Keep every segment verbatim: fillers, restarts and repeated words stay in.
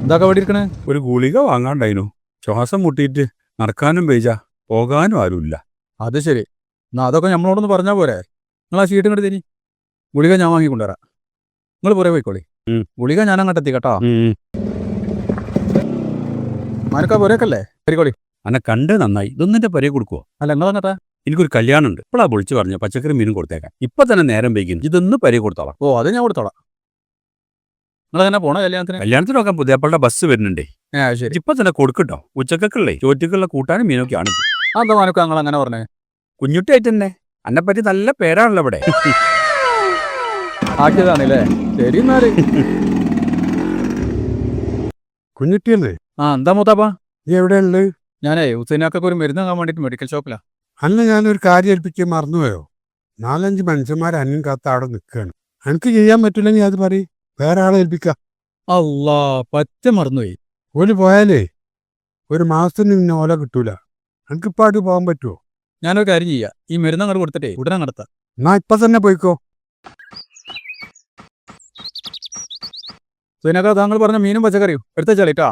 എന്താ കവടി ഇരിക്കണേ? ഒരു ഗുളിക വാങ്ങാണ്ടായിനു. ശ്വാസം മുട്ടിയിട്ട് നടക്കാനും വയ്യ, പോകാനും ആരുമില്ല. അത് ശരി. എന്നാ അതൊക്കെ നമ്മളോടൊന്ന് പറഞ്ഞാൽ പോരെ? നിങ്ങൾ ആ ഷീറ്റ് ഇങ്ങോട്ട് തരി. ഗുളിക ഞാൻ വാങ്ങിക്കൊണ്ടുവരാം. നിങ്ങൾ പുറേ പോയിക്കോളി. ഉം. ഗുളിക ഞാൻ അങ്ങോട്ട് എത്തി കേട്ടോ. ഉം. മാനക്കാ പുരക്കല്ലേ? കറിക്കോളി. അന്നെ കണ്ട് നന്നായി. ഇതൊന്നിന്റെ പരേ കൊടുക്കുവോ? അല്ല നിങ്ങൾ അങ്ങട്ടാ. എനിക്കൊരു കല്യാണം ഉണ്ട്. ഇപ്പോഴാ വിളിച്ചു പറഞ്ഞു പച്ചക്കറി മീനും കൊടുത്തേക്കാൻ. ഇപ്പൊ തന്നെ നേരം വൈകുന്നു. ഇതൊന്ന് പരേ കൊടുത്തോളാം. ഓ അത് ഞാൻ കൊടുത്തോളാം. നിങ്ങൾ എങ്ങനെ പോണ കല്യാണത്തിന്? കല്യാണത്തിനൊക്കെ പുതിയപ്പളുടെ ബസ് വരുന്നുണ്ടേ. ഏ അത് ശരി. ഇപ്പൊ തന്നെ കൊടുക്കട്ടോ. ഉച്ചക്കുള്ളേ ചോറ്റക്കുള്ള കൂട്ടാനും മീനൊക്കെയാണ്. അതെന്താ മാനക്ക നിങ്ങൾ അങ്ങനെ പറഞ്ഞേ? കുഞ്ഞുട്ടിയായിട്ട് തന്നെ. അന്നെ പറ്റി നല്ല പേരാണല്ലോ ഇവിടെ. ആക്കിയതാണല്ലേ? ശരി എന്നാല്. കുഞ്ഞുട്ടിയല്ലേ? ആ എന്താ മൂത്താപ്പാ? നീ എവിടെയുള്ളത്? ഞാനേ ഹുസൈനാക്കൊക്കെ ഒരു മരുന്ന് വാങ്ങാൻ വേണ്ടിയിട്ട് മെഡിക്കൽ ഷോപ്പിലാ. അന്ന് ഞാനൊരു കാര്യം ഏൽപ്പിക്കാൻ മറന്നുപോയോ? നാലഞ്ച് മനുഷ്യന്മാർ അന്യം കാത്ത അവിടെ നിൽക്കുകയാണ്. എനിക്ക് ചെയ്യാൻ പറ്റില്ലെങ്കിൽ അത് പറയും, വേറെ ആളെ ഏൽപ്പിക്കാം. അല്ലാ പറ്റ മറന്നുപോയി. ഓല് പോയാലേ ഒരു മാസത്തിന് പിന്നെ ഓല കിട്ടൂല. എനിക്കിപ്പോൾ ആയിട്ട് പോകാൻ പറ്റുമോ? ഞാനൊരു കാര്യം ചെയ്യാം, ഈ മരുന്ന് അങ്ങോട്ട് കൊടുത്തിട്ടേ ഉടനെ നടത്താം. എന്നാ ഇപ്പൊ തന്നെ പോയിക്കോ. ഹുസൈനാക്ക താങ്കൾ പറഞ്ഞ മീനും പച്ചക്കറിയും എടുത്തേച്ചാലേട്ടാ.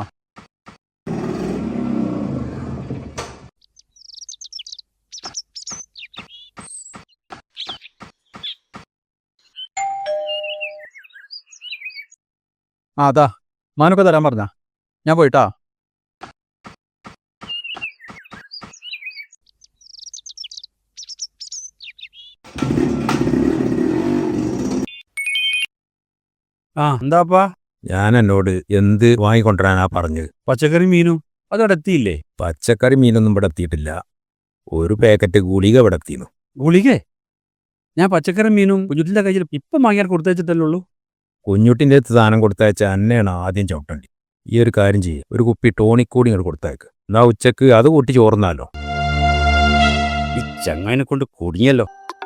ആ അതാ മാനൊക്കെ തരാൻ പറഞ്ഞ ഞാൻ പോയിട്ടാ. ആ എന്താപ്പാ? ഞാൻ എന്നോട് എന്ത് വാങ്ങിക്കൊണ്ടുവരാനാ പറഞ്ഞത്? പച്ചക്കറി മീനും അതവിടെ എത്തിയില്ലേ? പച്ചക്കറി മീനൊന്നും ഇവിടെ എത്തിയിട്ടില്ല. ഒരു പാക്കറ്റ് ഗുളിക ഇവിടെ എത്തിയിരുന്നു. ഗുളികേ? ഞാൻ പച്ചക്കറി മീനും കുഞ്ഞുട്ടിന്റെ കയ്യിൽ ഇപ്പം വാങ്ങിയാൽ കൊടുത്തേച്ചിട്ടല്ലേ ഉള്ളൂ. കുഞ്ഞുട്ടിൻ്റെ അടുത്ത് സാധനം കൊടുത്തയച്ച എന്നെയാണ് ആദ്യം ചവിട്ടണ്ടി. ഈ ഒരു കാര്യം ചെയ്യും, ഒരു കുപ്പി ടോണിക് കൂടി ഇങ്ങോട്ട് കൊടുത്തേക്ക്. എന്നാ ഉച്ചക്ക് അത് കൂട്ടി ചോർന്നാലോ. ഈ ചങ്ങായിനെ കൊണ്ട് കുടുങ്ങിയല്ലോ.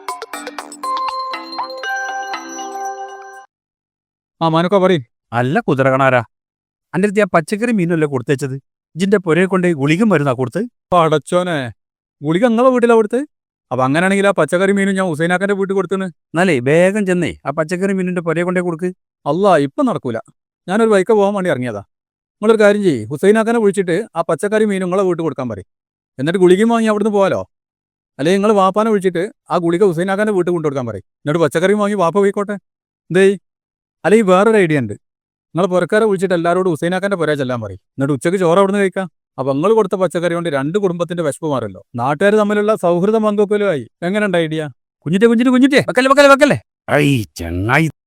ആ മാനൊക്കെ പറയും. അല്ല കുതിരകണാരാ, അൻ്റെ അടുത്ത് ആ പച്ചക്കറി മീനല്ലേ കൊടുത്തേച്ചത്? ഇജിന്റെ പുരയെ കൊണ്ട് ഗുളികം വരുന്നാ കൊടുത്ത്? അടച്ചോനെ, ഗുളിക നിങ്ങളെ വീട്ടിലാ കൊടുത്ത്? അപ്പൊ അങ്ങനെയാണെങ്കിൽ ആ പച്ചക്കറി മീനും ഞാൻ ഹുസൈനാക്കന്റെ വീട്ടിൽ കൊടുത്തുന്ന്. എന്നാലേ വേഗം ചെന്നേ ആ പച്ചക്കറി മീനിന്റെ പുരയെ കൊണ്ടേ കൊടുക്ക്. അല്ല ഇപ്പം നടക്കൂല, ഞാനൊരു ബൈക്ക് പോകാൻ വേണ്ടി ഇറങ്ങിയതാ. നിങ്ങളൊരു കാര്യം ചെയ്യ്, ഹുസൈനാക്കനെ വിളിച്ചിട്ട് ആ പച്ചക്കറി മീനും നിങ്ങളെ വീട്ടിൽ കൊടുക്കാൻ പറയും. എന്നിട്ട് ഗുളികയും വാങ്ങി അവിടുന്ന് പോകാലോ. അല്ലെങ്കിൽ നിങ്ങൾ വാപ്പാനെ വിളിച്ചിട്ട് ആ ഗുളിക ഹുസൈനാക്കന്റെ വീട്ടിൽ കൊണ്ടു കൊടുക്കാൻ പറയും. എന്നിട്ട് പച്ചക്കറി വാങ്ങി വാപ്പ പോയിക്കോട്ടെ. എന്തേ? അല്ലെങ്കിൽ വേറൊരു ഐഡിയ ഉണ്ട്, നിങ്ങൾ പുരക്കാരെ വിളിച്ചിട്ട് എല്ലാവരോടും ഹുസൈനാക്കന്റെ പുര ചെല്ലാൻ പറയും. എന്നിട്ട് ഉച്ചയ്ക്ക് ചോറ് അവിടുന്ന് കഴിക്കാം. അപ്പൊ നിങ്ങൾ കൊടുത്ത പച്ചക്കറി കൊണ്ട് രണ്ട് കുടുംബത്തിന്റെ വിശപ്പ് മാറല്ലോ, നാട്ടുകാർ തമ്മിലുള്ള സൗഹൃദം പങ്കുവെക്കലുമായി. എങ്ങനെയുണ്ട് ഐഡിയ? കുഞ്ഞിന്റെ കുഞ്ഞിന്റെ കുഞ്ഞിന്റെ വെക്കല്ലേ വെക്കല്ലേ വെക്കല്ലേ. ഐ ചങ്ങായി